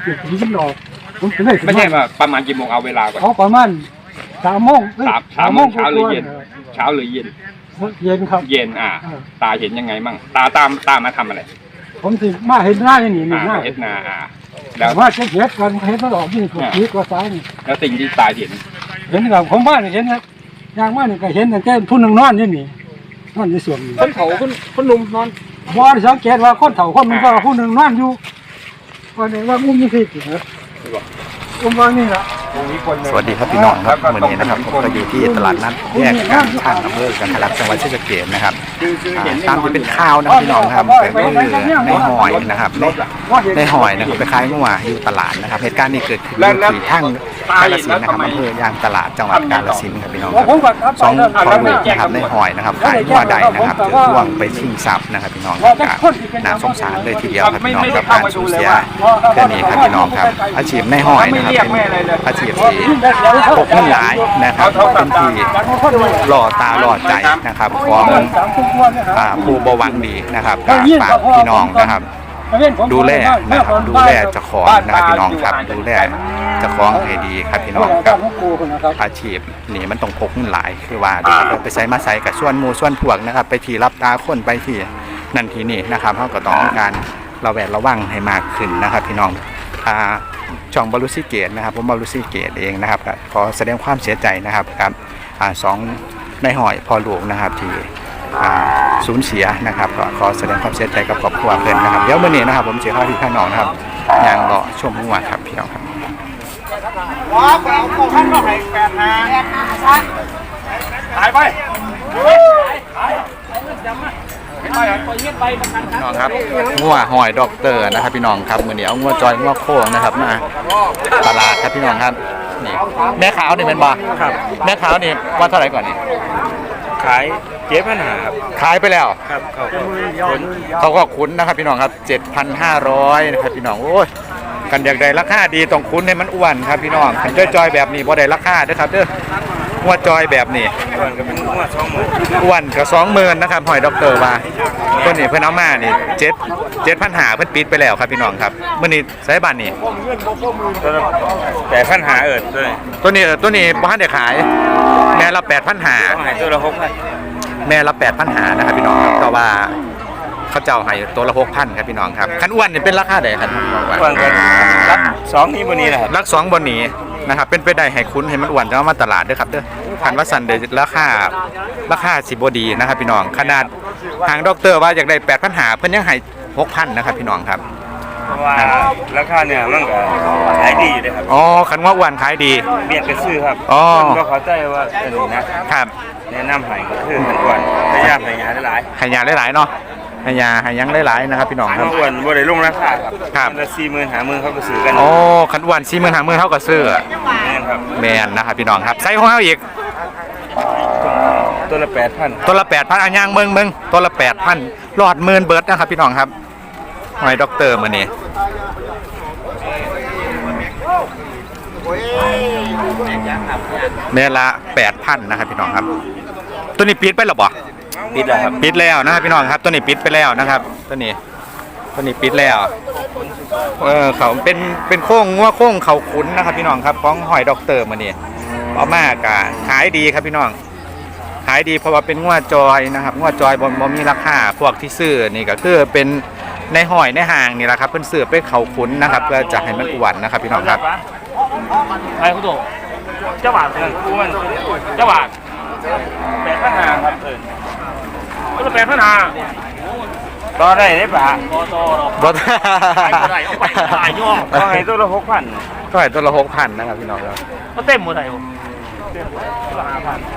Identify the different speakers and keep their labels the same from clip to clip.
Speaker 1: เก็บที่หลอกผมถึงได้
Speaker 2: ไม่ใช่ว่าประมาณกี่โมงเอาเวลาก่อน
Speaker 1: เขาประมาณ3 โมง
Speaker 2: สามโมงเช้าหรือเย็นเช้าหรือเย็น
Speaker 1: เย็นครับ
Speaker 2: เย็นตาเห็นยังไงมั่งตามมาทำอะไร
Speaker 1: ผมสิมาเห็นหน้าอย่างนี้หน้า
Speaker 2: เห็นนา
Speaker 1: แล้วว่าเช็ดเห็ดกันเห็ดมันออกยิ่งกว่าพีกว่าซ้ายนี่
Speaker 2: แล้วสิ่งที่ตาเห็น
Speaker 1: กับผมบ้านเห็นนะอย่างบ้านนี่ก็เห็นแต่แค่ผู้หนึ่งนอนนี่นี่นอนในส่วนนี้
Speaker 2: คนเขาคนหนุ่มนอน
Speaker 1: บ่ได้สังเกตว่าคนเฒ่าคนมันก็ผู้หนึ่งนอนอยู่ก็เนี่ยว่าอุ้มนี่สิเหรออุ้มว่านี่ล่ะ
Speaker 3: สวัสดีครับพี่น้องครับวันนี้นะครับผมก็อยู่ที่ตลาดนัดแยกการช่างอำเภอกันทะลักจังหวัดศรีสะเกษนะครับตามที่เป็นข่าวนะพี่น้องครับแต่ก็คือในหอยนะครับในหอยนะครับไปขายเมื่อวานอยู่ตลาดนะครับเหตุการณ์นี้เกิดขึ้นที่ทั้งกาฬสินธุ์นะครับอำเภอยางตลาดจังหวัดกาฬสินธุ์ครับพี่น้องครับสองพ่อลูกนะครับในหอยนะครับขายเมื่อใดนะครับถือล่วงไปชิงทรัพย์นะครับพี่น้องครับน่าสงสารเลยทีเดียวครับพี่น้องกับการสูญเสียแค่นี้ครับพี่น้องครับอาชีพในหอยนะครับเป็นอาชีพที่พกเงินหลายนะครับเป็นที่หล่อตาหล่อใจนะครับของผู้บวังดีนะครับฝากพี่น้องนะครับดูแลนะครับดูแลเจ้าของนะครับพี่น้องครับดูแลเจ้าของให้ดีครับพี่น้องครับอาชีพนี่มันต้องพกเงินหลายคือว่าไปใส่มาใส่กับส่วนหมู่ส่วนพวกนะครับไปที่รับตาคนไปที่นั่นที่นี่นะครับเขาก็ต้องการระวังให้มากขึ้นนะครับพี่น้องช่องบรุษเกตนะครับผมบรุษเกตเองนะครับขอแสดงความเสียใจนะครับกับสองในหอยพอหลวงนะครับที่สูญเสียนะครับก็ขอแสดงความเสียใจกับครอบครัวเพื่อนนะครับเดี๋ยวเมื่อนี้นะครับผมเสียข้าวที่ข้างนอกนะครับยังรอชมหัวครับพี่น้องครับ
Speaker 4: ว้าวเอาท่านก็ให้8 หายไป
Speaker 3: พี่น้องครับงัวหอยด็อกเตอร์นะครับพี่น้องครับมื้อนี้เอางัวจอยงัวโค้งนะครับมาตลาดครับพี่น้องครับนี่แม่ขาวนี่เป็นบ่ครับแม่ขาวนี่ว่าเท่าไหร่ก่อนนี่
Speaker 4: ขาย7,500ครับ
Speaker 3: ขายไปแล้ว
Speaker 4: ครับ
Speaker 3: เขาก็คุ้นนะครับพี่น้องครับ 7,500 นะครับพี่น้องโอ้ยกันอยากได้ราคาดีต้องคุ้นให้มันอ้วนครับพี่น้องคันจอยแบบนี้บ่ได้ราคาเด้อครับเด้องัวจอยแบบนี้
Speaker 4: อ้วนก็เป็นงัว20,000
Speaker 3: อ้วนก็20,000นะครับหอยด็อกเตอร์ว่าตัวนี้เพิ่นเอามานี่7,500เพิ่นปิดไปแล้วครับพี่น้องครับมื้อนี้ใช้บ้านนี่
Speaker 4: 8,500
Speaker 3: ตัวนี้บ่ทันได้ขายแม่ละ8,500
Speaker 4: ตัวละ6,000
Speaker 3: แม่ละ8,500นะครับพี่น้องครับแต่ว่าเขาเจ้าให้ตัวละ 6,000 ครับพี่น้องครับคันอ้วนนี่เป็นราคาใดครับ
Speaker 4: อ้วนก็รัก2นี้บ่นี้นะครับ
Speaker 3: รัก2บ่นี้นะครับเป็นไปได้ให้คุ้นให้มันอ้วนจะเอามาตลาดเด้อครับเด้อคันว่าสั่นได้ราคาสิบ่ดีนะครับพี่น้องขนาดทางด็อกเตอร์ว่าอยากได้8,500เพิ่นยังให้ 6,000 นะครับพี่น้องครับ
Speaker 4: เพราะว่าราคาเนี่ยมันก็ขายดีอยู่เลยครับ
Speaker 3: อ๋อคันว่าอ้วนขายดี
Speaker 4: เมียนก็ซื้อครับ
Speaker 3: อ๋อ
Speaker 4: ก็เข้าใจว่าอันนี้นะครับแนะนำให้ก็คือมันอ้วนพยายามให้ยาหลาย
Speaker 3: ๆให้ยาหลายๆเนาะให้ยาให้ยังหลายๆนะครับพี่น้องครับ
Speaker 4: อ้วนบ่ได้ลงราคา
Speaker 3: ครับ
Speaker 4: มันละ40,000 50,000เขาก็ซื้อกัน
Speaker 3: อ๋อคันอ้วน40,000 50,000เฮาก็ซื้อ
Speaker 4: แม่นครับ
Speaker 3: แม่นนะครับพี่น้องครับใส่ของเฮาอีก
Speaker 4: ตัวละ 8,000
Speaker 3: ตัวละ 8,000 อันย่างเมืองตัวละ 8,000 หลอดหมื่นเบิดนะครับพี่น้องครับหอยด็อกเตอร์มื้อนี้เมละ 8,000 นะครับพี่น้องครับตัวนี้ปิดไปหรอบ่
Speaker 4: ปิดแล้วครับ
Speaker 3: ปิดแล้วนะครับพี่น้องครับตัวนี้ปิดไปแล้วนะครับตัวนี้ปิดแล้วเขาเป็นโค้งงัวโค้งเขาขุนนะครับพี่น้องครับของหอยด็อกเตอร์มื้อนี้เอามากะขายดีครับพี่น้องขายดีเพราะว่าเป็นงัวจอยนะครับงัวจอยบ่มีราคาพวกที่ซื้อนี่ก็คือเป็นในหอยในห่างนี่แหละครับเพิ่นซื้อไปเขาขุนนะครับเพื่อจะให้มันอ้วนนะครับพี่น้องครับ
Speaker 4: ไอ้คุณโตเจ้าบาทเงินกูมันเจ้าบาท8,500ครับตัวละ8,500ต่อได้ได้ป่ะ
Speaker 3: บ่
Speaker 4: ได้เอาไปขายย่อก็ให้ตัวละ 6,000
Speaker 3: ก็ให้ตัวละ 6,000 นะครับพี่น้องครับ
Speaker 4: ก็เต็มหมดเลยตัวละ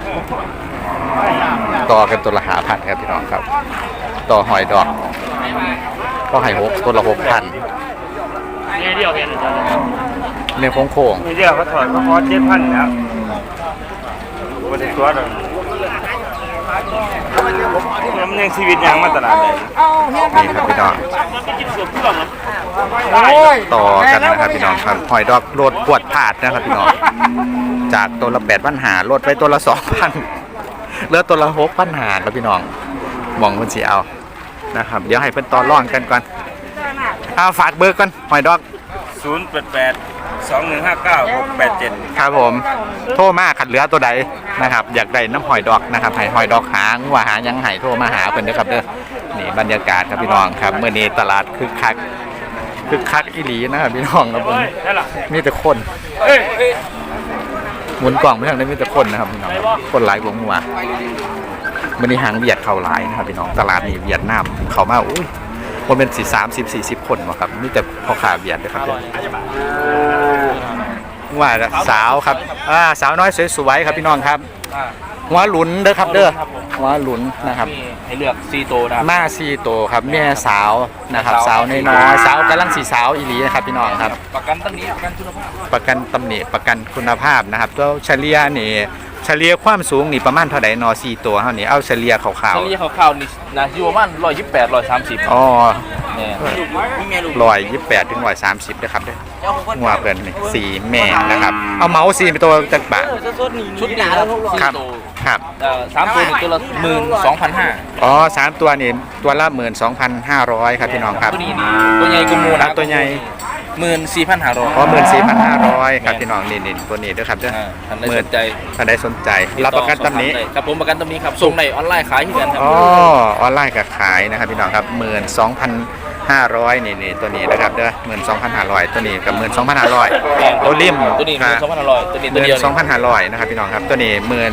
Speaker 4: 5,000
Speaker 3: ต่อกันตัวละ 5,000 ครับพี่น้องครับต่อหอยดอกก็ให้ตัวละ 6,000
Speaker 4: เนี่ยเดียวเห็นจ้ะ
Speaker 3: เนี่ยโค้ง
Speaker 4: เนี่ยเดียวเขาถอดเขาพอ 7,000 แล้วบ่ได้ตัวดอกมันยังชีวิตยังมาตลาดเลย
Speaker 3: นี่ครับพี่น้องต่อกันนะครับพี่น้องครับหอยดอกโลดปวดผาดนะครับพี่น้องจากตัวละ 8,500 ลดไปตัวละ 2,000 เหลือตัวละ 6,500 แล้วพี่น้องมองคนสิเอานะครับเดี๋ยวให้เพิ่นต่อรองกันก่อนฝากเบอร์ก่อนหอยดอก
Speaker 4: 081 934 934 0882159
Speaker 3: ครับผมโทรมาขัดเหลือตัวใดนะครับอยากได้น้ำหอยดอกนะครับให้หอยดอกหางว่าหายังไห้โทรมาหาเพิ่นเด้อครับเด้อนี่บรรยากาศครับพี่น้องครับเมื่อนี้ตลาดคึกคักอีหลีนะครับพี่น้องครับผมมีแต่คนหมุนกล่องไปทางนี้มีแต่คนนะครับพี่น้องคนหลายวงหัวมื่อนี้หางเวียดเข้าหลายนะครับพี่น้องตลาดนี้เวียดนามเข้ามาอุ้ยคนเป็น30-40 คนวะครับมีแต่พ่อค้าเวียดนะครับว่าสาวครับสาวน้อยสวยๆครับพี่น้องครับหัวหลุนเด้อครับเด้อหัวหลุนนะครับ
Speaker 4: ให้เลือก4ตัวนะครับ
Speaker 3: มา4โตวครับแม่สาวนะครับสาวน้อยๆสาวกำลังสีสาวอีหลีนะครับพี่น้องครับ
Speaker 4: ประกันตำหนิประกันคุณภาพ
Speaker 3: ประกันตำหนิประกันคุณภาพนะครับตัวเฉลี่ยนี่เฉลี่ยความสูงนี่ประมาณเท่าไหร่นอ4ตัวเท่านี้เอาเฉลี่ยขาว
Speaker 4: เฉลี่ยคร่าวๆนี่นะอยู่ประมาณ128 130
Speaker 3: ๆอ๋อ
Speaker 4: เนี่ย
Speaker 3: 128 ถึง 130นะครับเด้อหัวเพิ่นนี่สีแม่นะครับเอาเมาส์สีเป็นตัวจักบาท
Speaker 4: ชุดนี้ครับ
Speaker 3: ครับ
Speaker 4: 4ตัว
Speaker 3: ครับ
Speaker 4: 3ตัวนี่ตัวละ12,500
Speaker 3: อ๋อ3ตัวนี่ตัวละ 12,500 ครับพี่น้องครับ
Speaker 4: ตัวนี้นี่ตัวใหญ่กว่าหมู
Speaker 3: ครับตัวใหญ่
Speaker 4: 14,500
Speaker 3: อ๋อ14,500 ครับพี่น้องนี่ตัวนี้เด้อครับเด้อ
Speaker 4: ท่านใดสนใจ
Speaker 3: ถ้าได้สนใจรับประกันตำหนิ
Speaker 4: ครับผมประกันตำหนิครับส่งในออนไลน์ขายที่กันครับ
Speaker 3: อ๋อออนไลน์ก็ขายนะครับพี่น้องครับ12,500นี่ตัวนี้นะครับเด้อ12,500ตัวนี้กับ12,500ตัวริม
Speaker 4: ตัวนี้12,500ตัวนี้ตัวเดียว
Speaker 3: 12,500นะครับพี่น้องครับตัวนี้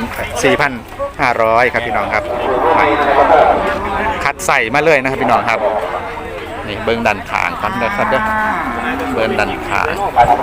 Speaker 3: 14,500ครับพี่น้องครับคัดใส่มาเลยนะครับพี่น้องครับนี่เบิ้งดันขางกันนะครับเด้อเบิ้งดันขาง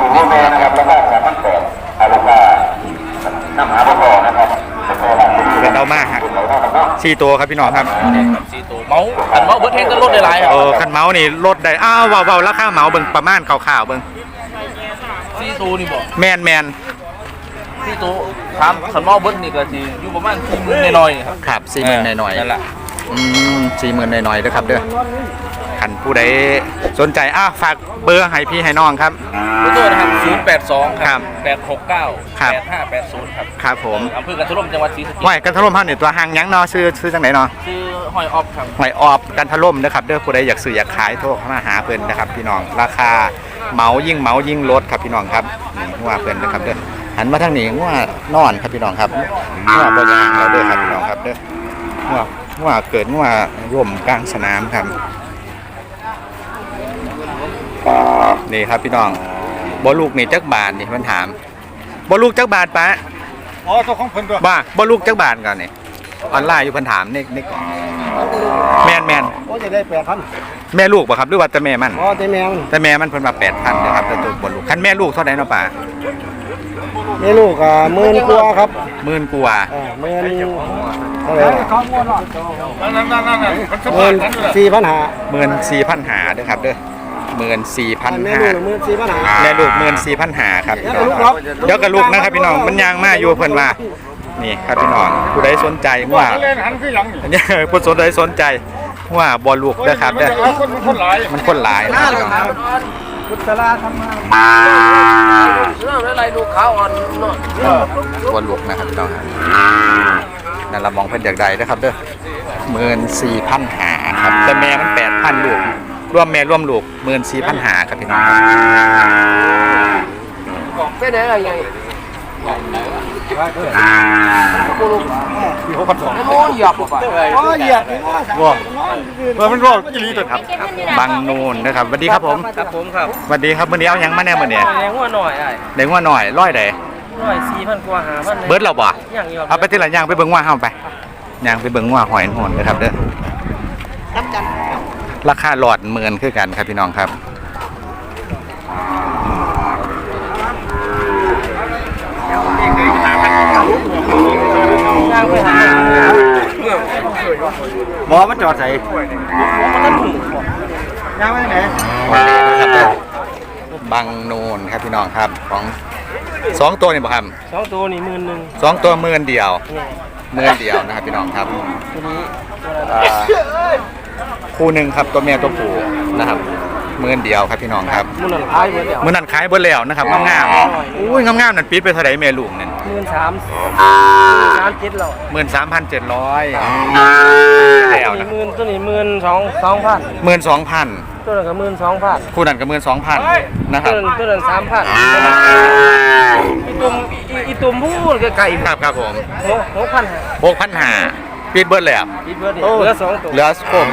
Speaker 3: เป็นเอามาฮะ4ตัวครับพี่น้องครับ
Speaker 4: 4ตัวเมาอันเมาเบิร์ดแห้งก็ลดได้หลายครับ
Speaker 3: คันเมาส์นี่ลดได้เว้าราคาเมาส์เบิ่งประมาณคร่าวๆเบิ่ง
Speaker 4: 4ตัวนี่บอก
Speaker 3: แมน
Speaker 4: 4ตัวถามคันเมาเบิร์ดนี่ก็สิอยู่ประมาณ40,000น้อยๆครับ
Speaker 3: ครับ40,000หน่อย
Speaker 4: นั่นแหละ
Speaker 3: 40,000หน่อยๆเด้อครับเด้อคันผู้ใดสนใจฝากเบอร์ให้พี่ให้น้องครับ
Speaker 4: เบอร์โทรนะครับ082
Speaker 3: ครับ
Speaker 4: 869
Speaker 3: ครับ
Speaker 4: 8580ครับ
Speaker 3: ครับผม
Speaker 4: อำเภอกันทรมจังหวัดศรีสะเกษ
Speaker 3: ห้อยกันทะล่มเฮานี่ตัวหางหยังเนาะซื้อจังไหนเนาะ
Speaker 4: ชื่อหอยออฟครับ
Speaker 3: หอยออบกันทะล่มนะครับเด้อผู้ใดอยากซื้ออยากขายโทรเข้ามาหาเพิ่นนะครับพี่น้องราคาเหมายิ่งลดครับพี่น้องครับนี่ว่าเพิ่นนะครับเด้อหันมาทางนี้ว่านอนครับพี่น้องครับว่าบ่ยางเราเด้อครับพี่น้องครับเด้อว่าเกิดว่าร่มกลางสนามครับนี่ครับพี่น้องบ่ลูกนี่จักบาทนี่มันถามบ่ลูกจักบาทปะ
Speaker 1: อ๋อตัวของเพิ่นตัว
Speaker 3: บ้าบ่ลูกจักบาทก่อนนี่ออนไลน์อยู่เพิ่นถามนี่แม่น
Speaker 1: โอ้จะได้8,000
Speaker 3: แม่ลูกบ่ครับหรือว่าแต่แม่มัน
Speaker 1: อ๋อแต่แมว
Speaker 3: แต่แม่มันเพิ่นว่า 8,000นะครับแต่ตัวบ่ลูกคันแม่ลูกเท่าใดเนาะป่า
Speaker 1: นี่ลูก10,000กว่าครับ
Speaker 3: 10,000กว่า
Speaker 1: 10,000เท่าไหร่14,500
Speaker 3: 14,500เด้อครับเด้อ
Speaker 1: แม่ลูก
Speaker 3: 14,500
Speaker 1: 14,500
Speaker 3: แม่ลูก14,500ครับพี่น้องครับเดี๋ยวกับลูกนะครับพี่น้องมันยางมาอยู่เพิ่นว่านี่ครับพี่น้องผู้ใดสนใจว่า
Speaker 1: เล่นหันคือหยังนี่
Speaker 3: ผู้สนใจว่าบ่ลูกเด้อครับเด้อ
Speaker 1: มันคนหลาย
Speaker 3: มันคนหลายนะครับพี่น้องครับ
Speaker 1: พุทธลาทำมา
Speaker 4: อะไรดูขาวอ่อน
Speaker 3: บ่ลูกนะครับพี่น้องครับนั่นละมองเพิ่นอยากได้นะครับเด้อ14,500ครับแต่แม่มัน 8,000ลูกรวมแม่รวมลูก14,500ครับพี่น้องครับ
Speaker 1: ไปไหนอะไรยังที่6,200
Speaker 4: โอ้ยหยอกป่ะ
Speaker 1: อ๋อเหยียบว่ามันร้อนอีหลีตัวครับ
Speaker 3: บางนูนนะครับสวัสดีครับผม
Speaker 4: ครับผมครับ
Speaker 3: สวัสดีครับมื้อนี้เอาหยังมาแน่มื้อนี้
Speaker 4: แรงหัวหน่อยไอ้
Speaker 3: ได้งัวหน่อยร้อยใด
Speaker 4: 4,000กว่า5,000
Speaker 3: เบิดแล้วบ่
Speaker 4: อย่างเดียว
Speaker 3: เอาไปทีละอย่างไปเบิ่งว่าเฮาไปย่างไปเบิ่งว่าหอยโหนนะครับเด้อราคาหลอดหมื่นคือกันครับพี่น้องครับหมอมาจอดใส่ย่างไปไหนบางนูนครับพี่น้องครับของ2ตัวนี่บ่ครับ
Speaker 4: 2ตัวนี่11,000
Speaker 3: 2ตัว10,000เดียว10,000เดียวนะครับพี่น้องครับ
Speaker 4: ตัวนี้
Speaker 3: คู่หนึ่งครับตัวเมียตัวผู้นะครับ10,000เดียวครับพี่น้องครับ
Speaker 4: มื้อนั้นขายเบิดแล้ว
Speaker 3: มื้อนั้นขายเบิดแล้วนะครับงามๆอุ้ยงามๆนั่นปิดไปเท่าไหร่แม่ลูกนั่น
Speaker 4: 13,700
Speaker 3: 13,700แล้วนะ
Speaker 4: ตัวนี้12,000
Speaker 3: 12,000
Speaker 4: ตัวละ12,000
Speaker 3: คู่นั้นก็12,000นะครับ
Speaker 4: ตัวละ3,000อีตุ่มพูดไกลๆ
Speaker 3: ครับผม
Speaker 4: 6,500
Speaker 3: ปิดเบิดเลยอ่ะ
Speaker 4: คิดว่าดิเหลือ2ตัว
Speaker 3: เหลือโคม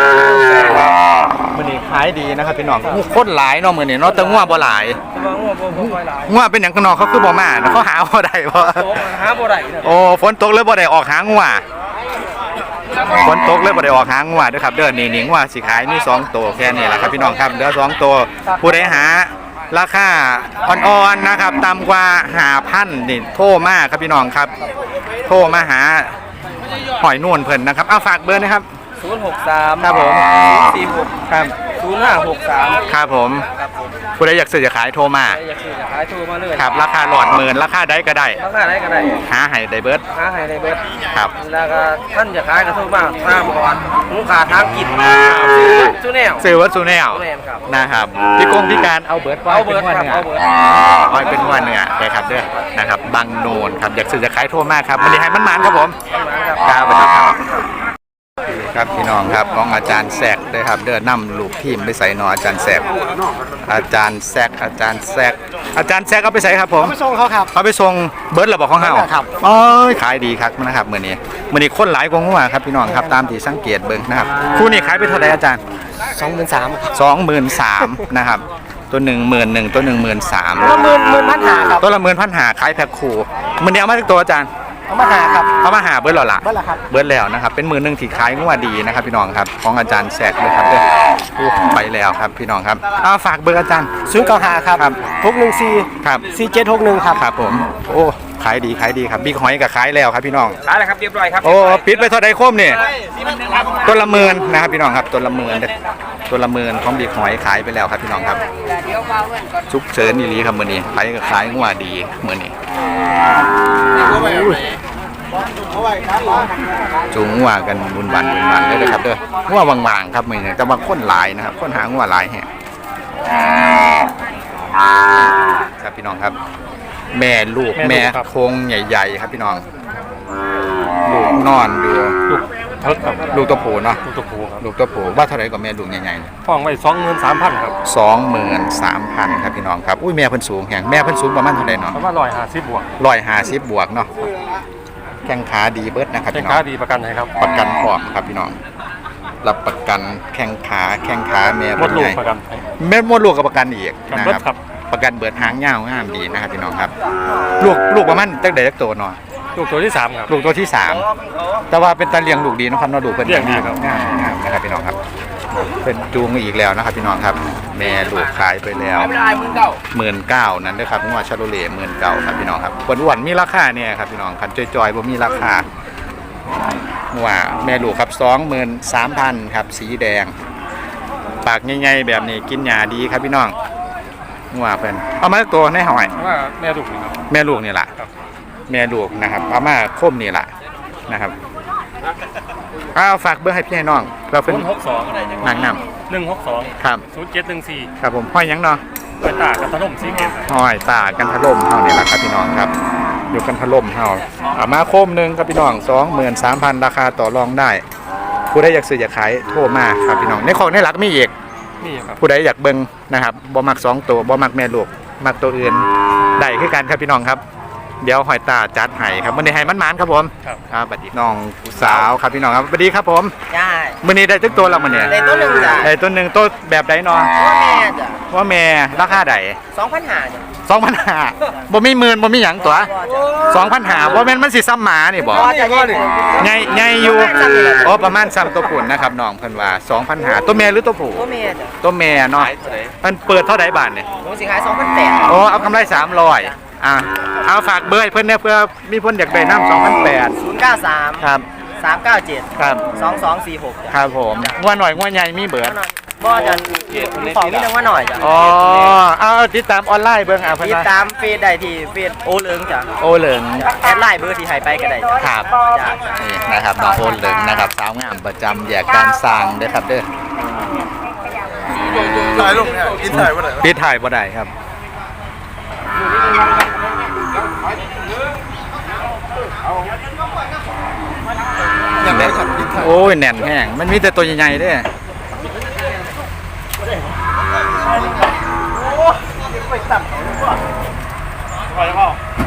Speaker 3: มื้อนี้ขายดีนะครับพี่น้องคนหลายเนาะมื้อนี้เนาะแต่งัวบ่หลาย
Speaker 4: แต่ว่างัวบ่ค่อยหลาย
Speaker 3: งัวเป็นหยังข้างนอกเขาคือบ่มาเขาหาบ่ได้บ่
Speaker 4: โตหาบ่ได้เด้อ
Speaker 3: โอ้ฝนตกเลยบ่ได้ออกหางัวฝนตกเลยบ่ได้ออกหางัวเด้อครับเด้อนี่งัวสิขายมี2ตัวแค่นี้แหละครับพี่น้องครับเหลือ2ตัวผู้ใดหาราคาอ่อนๆนะครับต่ำกว่า5,000นี่โทรมาครับพี่น้องครับโทรมาหาหอยนวลเพิ่นนะครับเอาฝากเบอร์นะครับ
Speaker 4: 063
Speaker 3: ครับผม
Speaker 4: 46
Speaker 3: ครับ
Speaker 4: 0563
Speaker 3: ครับผมผู้ใดอยากซื้อจะขายโทรมา
Speaker 4: อยากซื้อจะขายโทรมาเลย
Speaker 3: ครับราคาหลอดหมื่นราคาใดก็ได้
Speaker 4: ราคาไหนก็ได้
Speaker 3: หาให้ได้เบิด
Speaker 4: หาให้ได้เบิด
Speaker 3: ครับ
Speaker 4: แล้วก็ท่านจะขายก็โทรมาตามก่อนลูกค้าทางกินซื้อแนว
Speaker 3: ซื้อวัตถุแนว
Speaker 4: แนวครับ
Speaker 3: นะครับพิการเอาเบิด
Speaker 4: เอาเบิดครับเอาเบิด
Speaker 3: อ้อยเป็นว่าเนื้อนะครับเด้อนะครับบางโนนครับอยากซื้อจะขายโทรมากครับวันนี้ให้มันมันครับผมครับสวัสดีครับครับพี่น้องครับของอาจารย์แซกด้วยครับเด้อนำลูกทีมไปใส่หนออาจารย์แซกอาจารย์แซกเอาไปใส่ครับผม
Speaker 1: ไปส่งเขาครับ
Speaker 3: เอาไปส่งเบิร์ดระบอกของเฮา
Speaker 1: ครับ
Speaker 3: โอ้ยขายดีครับนะครับมื้อนี้คนหลายกว่างัวครับพี่น้องครับตามที่สังเกตเบิ่งนะครับคู่นี้ขายไปเท่าไหร่อาจารย์ 23,000นะครับตัว11,000ตัว13,000
Speaker 1: ละ10,000 ครับ
Speaker 3: ตัวละ10,500ขายแพ็คคู่มื้อนี้เอามาจากตัวอาจารย์
Speaker 1: เอามาหาครับ
Speaker 3: เอามาหาเบิร์ดแล้วล่ะ
Speaker 1: เบิดละครับ
Speaker 3: เบิร์ดแล้วนะครับเป็นมือหนึ่งที่ขายงัวดีนะครับพี่น้องครับของอาจารย์แซกเลยครับเด้อโอ้ไปแล้วครับพี่น้องครับเอาฝากเบอร์อาจารย์
Speaker 1: 095ครับ614
Speaker 3: ครับ
Speaker 1: 4761ครับ
Speaker 3: ครับผมโอ้ขายดีครับบิ๊กหอยก็ขายแล้วครับพี่น้อง
Speaker 2: ขายแล้วครับเรียบร้อยครับ
Speaker 3: โอ้ปิดไปเท่าใดโคมนี่ตัวละ10,000นะครับพี่น้องครับตัวละ10,000เด้อตัวละ10,000ของบิ๊กหอยขายไปแล้วครับพี่น้องครับชุกเฉินอีหลีครับมื้อนี้ขายก็ขายงัวดีมื้อนี้จูงงัวกันบุญบันเลยนะครับเด้องัววางๆครับมื้อนี้แต่ว่าคนหลายนะครับคนหางัวหลายแฮะครับพี่น้องครับ แม่ลูกแม่โคงใหญ่ๆครับพี่น้องลูกนอนอยู่
Speaker 4: เทิกครับ
Speaker 3: ลูกตัวผู้เนาะ
Speaker 4: ตัวผูครับ
Speaker 3: ลูกตัวผู้ว่าเท่าไหร่กับแม่ลูกใหญ่ๆเนี่ย
Speaker 4: ห้องไว้23,000ครับ
Speaker 3: 23,000ครับพี่น้องครับอุ้ยแม่เพิ่นสูงแฮงแม่เพิ่นสูงประมาณเท่าไหร่เนาะ
Speaker 4: ประมาณ150บวก
Speaker 3: 150บวกเนาะแข้งขาดีเบิดนะครับ
Speaker 4: แค่
Speaker 3: พี่น้อ
Speaker 4: ค้าง ดีประกันให้ครับ
Speaker 3: ประกันพร้อมครับพี่น้องรับประกันแข้งขาแม่
Speaker 4: หม
Speaker 3: เพิ่
Speaker 4: ด
Speaker 3: น
Speaker 4: ลู
Speaker 3: ให
Speaker 4: ก
Speaker 3: ญ่
Speaker 4: ประกันให้
Speaker 3: แม่มดลูกกับประกันอีก
Speaker 4: กัน
Speaker 3: นะ
Speaker 4: เบิด
Speaker 3: ครับ
Speaker 4: ครับ
Speaker 3: ประกันเบิดหางยาวงามดีนะครับพี่น้องครับลูกประมาณจักใดจักโตเนาะ
Speaker 4: ลูกตัวที่3ครับ
Speaker 3: ลูกตัวที่ 3 แต่ว่าเป็นตาเลี้ยงลูกดีนะครับเนาะดูเพิ่น
Speaker 4: เลี้ยงดีครับ
Speaker 3: งามนะครับพี่น้องครับเป็นจูงอีกแล้วนะครับพี่น้องครับแม่ลูกขายไปแล้ว19,000นั้นเด้อครับงัวชาโลเล่19,000ครับพี่น้องครับอ้วนๆมีราคาเนี่ยครับพี่น้องคันจอยๆบ่มีราคาว่าแม่ลูกครับ23,000ครับสีแดงปากใหญ่ๆแบบนี้กินหญ้าดีครับพี่น้องว่าเพิ่นเอามาตัวในหอย
Speaker 4: ว่าแม่ลูกนี่ครับ
Speaker 3: แม่ลูกนี่แหละ
Speaker 4: ครับ
Speaker 3: แม่ลูกนะครับเอามาคมนี่แหละนะครับฝากเบอร์ให้พี่ให้น้องเราเป็น
Speaker 4: 062
Speaker 3: นางน
Speaker 4: 162
Speaker 3: ครับ
Speaker 4: 0714
Speaker 3: ครับผมห้อยหยังเนาะ
Speaker 4: เปิดตากับถล่มสีเกต
Speaker 3: ห้อยตากันทะล่มเฮานี่แหละครับพี่น้องครับอยู่กันทะล่มเฮาเอามาคมหนึงครับพี่น้อง23,000ราคาต่อรองได้ผู้ใดอยากซื้ออยากขายโทรมาครับพี่น้องในของในหลักมีอีก
Speaker 4: นี่ครับ
Speaker 3: ผู้ใดอยากเบิ่งนะครับบ่มัก2ตัวบ่มักแม่ลูกมักตัวอื่นได้คือกันครับพี่น้องครับเดี๋ยวหอยตาจัดให้ครับมื้อนี้ให้มันๆครับผม
Speaker 4: ครับ
Speaker 3: ครับสวัสดีน้องผู้สาวครับพี่น้องครับสวัสดีครับผม
Speaker 5: จ้า
Speaker 3: มื้อนี้ได้ทุกตัวแล้วมื้อนี้
Speaker 5: ได้ตัวหนึ่งจ้ะ
Speaker 3: ได้ตัวหนึงตัวแบบใดเนาะ
Speaker 5: พ่อแม่จ้ะ
Speaker 3: ว่าแม่ราคาใด
Speaker 5: 2,500จ้ะ
Speaker 3: 2,500บ่มีหมื่นบ่มีหยังตัว2,500บ่แม่นมันสิซ้ำหมานี่บ่
Speaker 5: พ่อจะเย็น
Speaker 3: ใหญ่อยู่อ๋อประมาณซ้ำตัวปุ่นนะครับน้องเพิ่นว่า2,500ตัวแม่หรือตัวผู้
Speaker 5: พ่อแม่จ้ะ
Speaker 3: ตัวแม่เนาะมันเปิดเท่าใดบาทนี่
Speaker 5: ผมสิขาย2,800
Speaker 3: โอ้เอากำไร300เอาฝากเบอร์ให้เพิ่นเนี่ยเพื่อมีเพิ่นอยากได้น้ำ2,800
Speaker 5: 093
Speaker 3: ครับ
Speaker 5: 397
Speaker 3: ครับ
Speaker 5: 2246จ้ะ
Speaker 3: ครับผมงัวหน่อยงัวใหญ่มีเบิด
Speaker 5: บ่จะของนี่นึงว่าหน่อยจ้ะ
Speaker 3: อ๋อเอาติดตามออนไลน์เบิ่งเพิ่น
Speaker 5: ติด
Speaker 3: ว่า
Speaker 5: ตามเฟซได้ที่เฟซโอเลิงจ้ะ
Speaker 3: โอเหลิง
Speaker 5: แอดไลน์เบอร์ที่ให้ไปก็ได้จ้ะ
Speaker 3: ครับ
Speaker 5: จ้ะ
Speaker 3: นี่นะครับน้องโอเหลิงนะครับสาวงามประจำแยกการสร้างเด้อครับเด้อ
Speaker 6: ถ่ายลงเนี่ยกินถ่ายวันไหน
Speaker 3: ปิดถ่ายบ่ได้ครับโอ้ยแน่นแห้งมันมีแต่ตัวใหญ่ๆเด้อ
Speaker 4: ไปสั่งเขาหรือเปล่าไปแล้วก็